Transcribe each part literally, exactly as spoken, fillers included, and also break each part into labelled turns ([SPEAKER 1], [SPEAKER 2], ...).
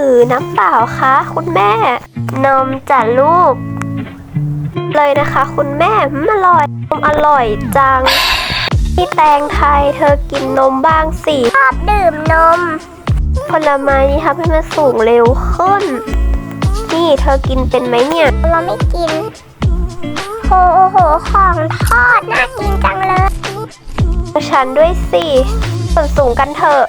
[SPEAKER 1] รือน้ำเปล่าคะคุณแม่นมจ้ะลูกเลยนะคะคุณแม่อร่อยนมอร่อยจังพี่แตงไทยเธอกินนมบ้างสิชอบดื่มนมผลไม้นี่ทำให้มันสูงเร็วขึ้นนี่เธอกินเป็นไหมเนี่ยเราไม่กินโอ้โหของทอดน่ากินจังเลยฉันด้วยสิส่วนสูงกันเถอะ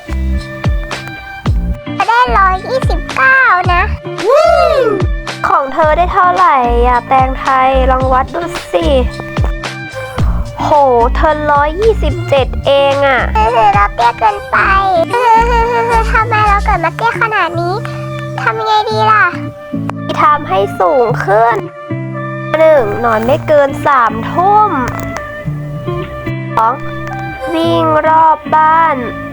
[SPEAKER 1] จะได้ร้อยยี่สิบเก้านะของเธอได้เท่าไหร่อะแตงไทยลองวัดดูสิโหเธอร้อยยี่สิบเจ็ดเองอะเออเราเตี้ยเกินไปทำไมเราเกิดมาเตี้ยขนาดนี้ทำยังไงดีล่ะทำให้สูงขึ้นหนึ่งนอนไม่เกินสามทุ่มสองวิ่งรอบบ้าน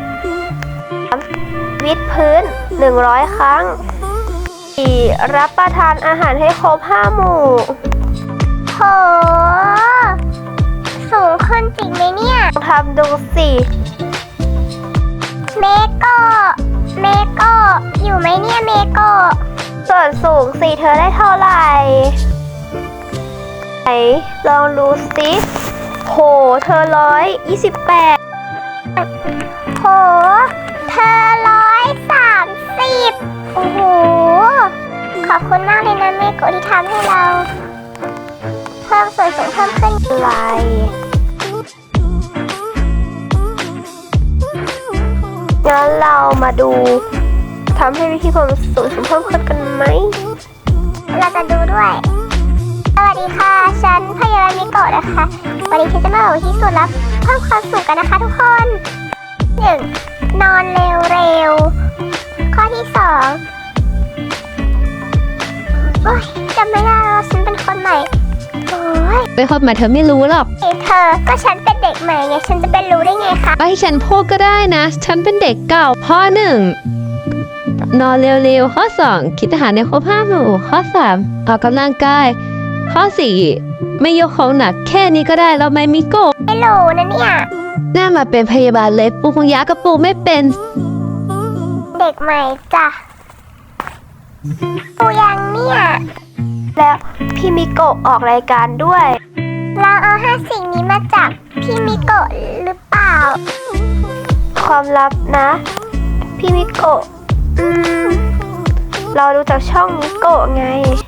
[SPEAKER 1] วิดพื้นหนึ่งร้อยครั้งสี่รับประทานอาหารให้ครบห้าหมู่โหสูงขึ้นจริงไหมเนี่ยทำดูสิเมโกเมโกอยู่ไหมเนี่ยเมโกส่วนสูงสิเธอได้เท่าไหร่ไหนลองดูสิโหเธอร้อยยี่สิบแปดโหเธอร้อยสามสิบโอ้โหขอบคุณมากเลยนะเมโกะที่ทำให้เราเพิ่มส่วนสูงเพิ่มขึ้นไวงั้นเรามาดูทำให้วิธีความสูงเพิ่มขึ้นกันไหมเราจะดูด้วยสวัสดีค่ะฉันพยาบาลเมโกะนะคะวันนี้ฉันจะมาบอกที่สุดแล้วเพิ่มความสูงกันนะคะทุกคนหนึ่งนอนเร็วๆข้อที่สองโอ๊ยจำไม่ได้แล้วฉันเป็นคนใหม่โอ๊ย
[SPEAKER 2] เป็นคนใหม่เธอไม่รู้หรอก
[SPEAKER 1] เธอก็ฉันเป็นเด็กใหม่ไงฉันจะเป็นรู้ได้ไงคะ
[SPEAKER 2] ไปให้ฉันพูดก็ได้นะฉันเป็นเด็กเก่าข้อหนึ่งนอนเร็วๆข้อสองคิดอาหารในครบห้าหมู่ข้อสามออกกำลังกายข้อสี่ไม่ยกของหนักแค่นี้ก็ได้เราไม่มีโก้
[SPEAKER 1] ไม่รู้นะเนี่ย
[SPEAKER 2] น่ามาเป็นพยาบาลเลยปูคงยากระปูไม่เป็น
[SPEAKER 1] เด็กใหม่จ้ะปูยังเนี่ยแล้วพี่มิโกะออกรายการด้วยเราเอาห้าสิ่งนี้มาจากพี่มิโกะหรือเปล่าความลับนะพี่มิโกะอืมเราดูจากช่องมิโกะไง